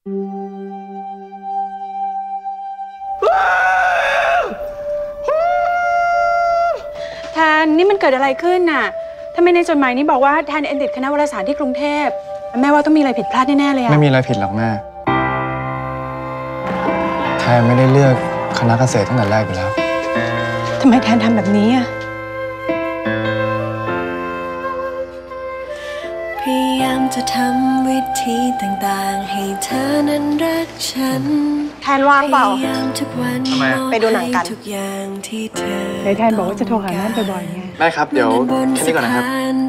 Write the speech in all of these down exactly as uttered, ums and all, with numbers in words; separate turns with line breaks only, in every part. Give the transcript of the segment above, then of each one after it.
แทนนี่มันเกิดอะไรขึ้นน่ะทำไมในจดหมายนี้บอกว่าแทนเอ็นติดคณะวารสารที่กรุงเทพแม่ว่าต้องมีอะไรผิดพลาดแน่ๆเลยอะ
ไม่มีอะไรผิดหรอกแม่แทนไม่ได้เลือกคณะเกษตรตั้งแต่แรกอยู่แล้ว
ทำไมแทนทำแบบนี้อะ
พยายามจะทำวิธีต่างๆให้เธอนั้นรักฉัน
แทนว่างเปล่า
ทำไม
ไปดูหนังกันในแทนบอกว่าจะโทรหาแม่บ่อยๆไง
แม่ครับเดี๋ยวแค่นี้ก่อนนะครับ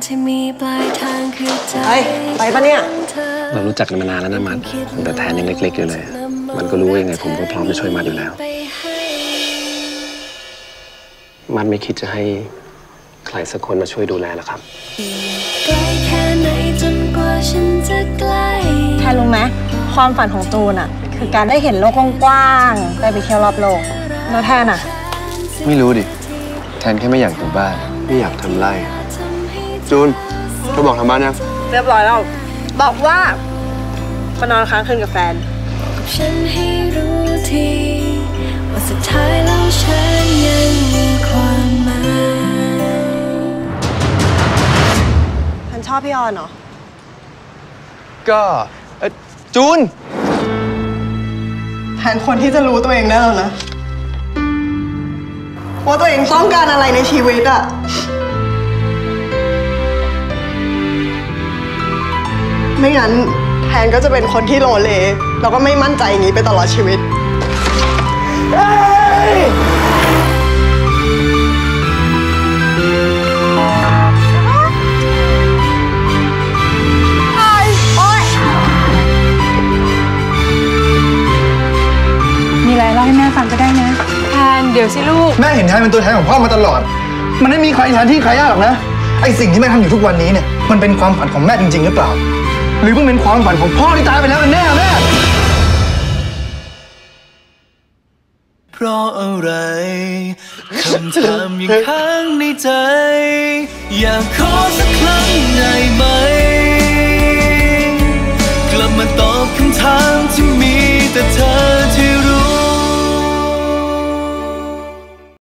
เฮ้ยไปปะเนี่ย
เรารู้จักกันมานานแล้วนะมัดแต่แทนยังเล็กๆอยู่เลยมันก็รู้ว่ายังไงผมก็พร้อมจะช่วยมัดอยู่แล้วมัดไม่คิดจะให้ใครสักคนมาช่วยดูแลหรอครับ
แทนรู้ไหมความฝันของตูนอ่ะคือการได้เห็นโลกกว้างๆได้ไปเที่ยวรอบโลกแล้วแทนอ่ะ
ไม่รู้ดิแทนแค่ไม่อยากอยู่บ้านไม่อยากทำไร่จูนเธอบอกทำบ้านยัง
เรียบร้อยแล้วบอกว่ามานอนค้างคืนกับแฟนฉันให้รู้ทีว่าสุดท้ายแล้วฉันยังมีความหมายฉันชอบพี่ออนเหรอ
ก็จูน
แทนคนที่จะรู้ตัวเองได้แล้วนะว่าตัวเองต้องการอะไรในชีวิตอะไม่งั้นแทนก็จะเป็นคนที่โลเลแล้วก็ไม่มั่นใจอย่างนี้ไปตลอดชีวิตมีอะไรเล่าให้แม่ฟังก็ได้นะแทนเดี๋ยวสิลูก
แม่เห็นแทนเป็นตัวแทนของพ่อมาตลอดมันไม่มีใครแทนที่ใครยากหรอกนะไอสิ่งที่แม่ทำอยู่ทุกวันนี้เนี่ยมันเป็นความฝันของแม่จริงๆหรือเปล่าหรือมันเป็นความฝันของพ่อที่ตายไปแล้วกันแน่แม่
เพราะอะไรคำถามยังค้างในใจอยากขอสักครั้งได้ไหม